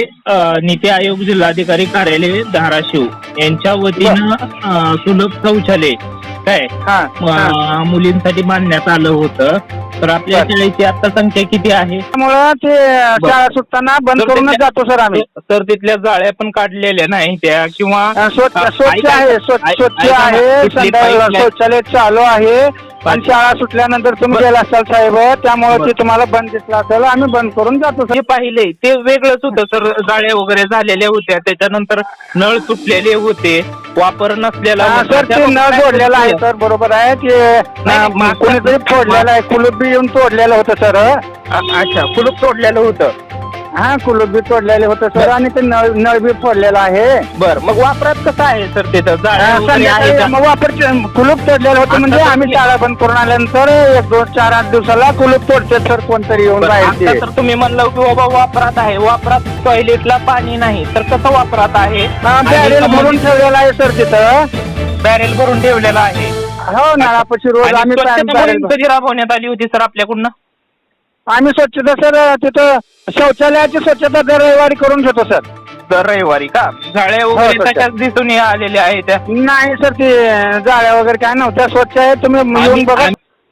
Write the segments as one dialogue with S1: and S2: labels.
S1: नीती आयोग जिल्हाधिकारी कार्यालय धाराशिव यांच्या वतीनं सुलभ शौचालय काय मुलींसाठी बांधण्यात आलं होतं. तर आपल्या शाळेची आता संख्या किती आहे?
S2: त्यामुळं ते शाळा सुटताना बंद करूनच जातो सर आम्ही.
S1: तर तिथल्या जाळ्या पण काढलेल्या नाही त्या किंवा
S2: स्वच्छ आहे, स्वच्छ आहे, शौचालय चालू आहे. आणि शाळा सुटल्यानंतर तुम्ही गेला असाल साहेब, त्यामुळे ते तुम्हाला बंद दिसला असेल, आम्ही बंद करून जातो सर.
S1: जे पाहिले ते वेगळंच होतं सर. जाळ्या वगैरे झालेल्या होत्या, त्याच्यानंतर नळ तुटलेले होते, वापर नसलेला
S2: सर. ते नळ जोडलेला आहे सर, बरोबर आहे. ते कोणीतरी फोडलेलं आहे, कुलूप बी येऊन तोडलेलं होतं सर.
S1: अच्छा, कुलूप तोडलेलं होतं.
S2: हा, कुलूप बी तोडलेले होतं सर आणि ते नळ बी फोडलेला आहे.
S1: बरं, मग वापरात कसं आहे सर तिथं?
S2: मग वापर कुलूप तोडलेलं होतं म्हणजे आम्ही शाळा बंद करून आल्यानंतर 1, 2, 4, 8 दिवसाला कुलूप तोडते सर कोणतरी येऊन बाहेर.
S1: तर तुम्ही म्हणलं की बाबा वापरात आहे, वापरात टॉयलेटला पाणी नाही, तर कसं वापरात आहे?
S2: बॅरेल भरून ठेवलेला आहे सर तिथं.
S1: बॅरेल भरून ठेवलेला आहे.
S2: हो, नळापाशी रोज आम्ही बॅरेल.
S1: कधी राबवण्यात आली होती सर आपल्याकडून?
S2: आम्ही स्वच्छता सर तिथं शौचालयाची स्वच्छता दर रविवारी करून घेतो सर.
S1: दर रविवारी का? जाळ्या वगैरे तशाच दिसून आलेल्या आहेत त्या?
S2: नाही सर, ते जाळ्या वगैरे काय नव्हत्या, स्वच्छ आहे. तुम्ही येऊन बघा.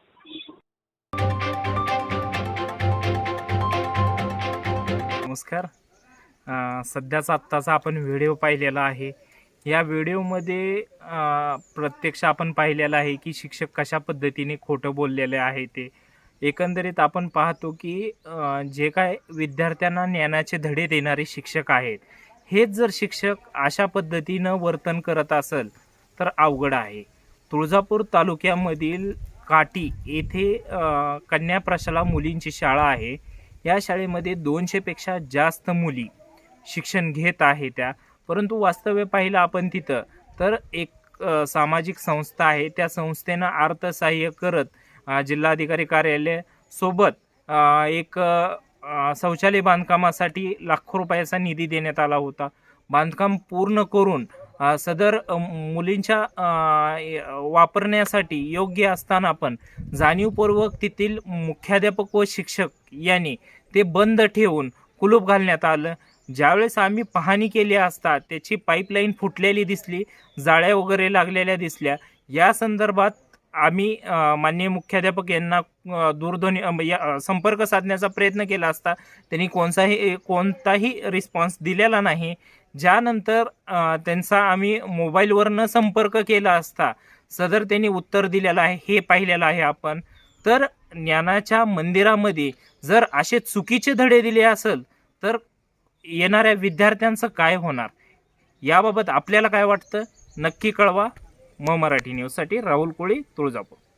S3: नमस्कार. सध्याचा आत्ताचा आपण व्हिडिओ पाहिलेला आहे. या व्हिडिओमध्ये प्रत्यक्ष आपण पाहिलेलं आहे की शिक्षक कशा पद्धतीने खोटं बोललेले आहे. ते एकंदरीत आपण पाहतो की जे काय विद्यार्थ्यांना ज्ञानाचे धडे देणारे शिक्षक आहेत, हेच जर शिक्षक अशा पद्धतीनं वर्तन करत असेल तर अवघड आहे. तुळजापूर तालुक्यामधील काटी येथे कन्या प्रशाला मुलींची शाळा आहे. या शाळेमध्ये 200पेक्षा जास्त मुली शिक्षण घेत आहे त्या. परंतु वास्तव्य पाहिलं आपण तिथं तर एक सामाजिक संस्था आहे. त्या संस्थेनं अर्थसहाय्य करत जिल्हाधिकारी कार्यालय सोबत एक शौचालय बांधकामासाठी लाखो रुपयाचा निधी देण्यात आला होता. बांधकाम पूर्ण करून सदर मुलींच्या वापरण्यासाठी योग्य असताना पण जाणीवपूर्वक तेथील मुख्याध्यापक व शिक्षक यांनी ते बंद ठेवून कुलूप घालण्यात आलं. ज्यावेळेस आम्ही पाहणी केली असता त्याची पाईपलाईन फुटलेली दिसली, जाळ्या वगैरे लागलेल्या दिसल्या. या संदर्भात आम्ही माननीय मुख्याध्यापक यांना दूरध्वनी संपर्क साधण्याचा प्रयत्न केला असता त्यांनी कोणताही रिस्पॉन्स दिलेला नाही. ज्यानंतर त्यांचा आम्ही मोबाईलवरनं संपर्क केला असता सदर त्यांनी उत्तर दिलेलं आहे, हे पाहिलेलं आहे आपण. तर ज्ञानाच्या मंदिरामध्ये जर असे चुकीचे धडे दिले असेल तर येणाऱ्या विद्यार्थ्यांचं काय होणार, याबाबत आपल्याला काय वाटतं नक्की कळवा. मराठी न्यूजसाठी राहुल कोळी, तुळजापूर.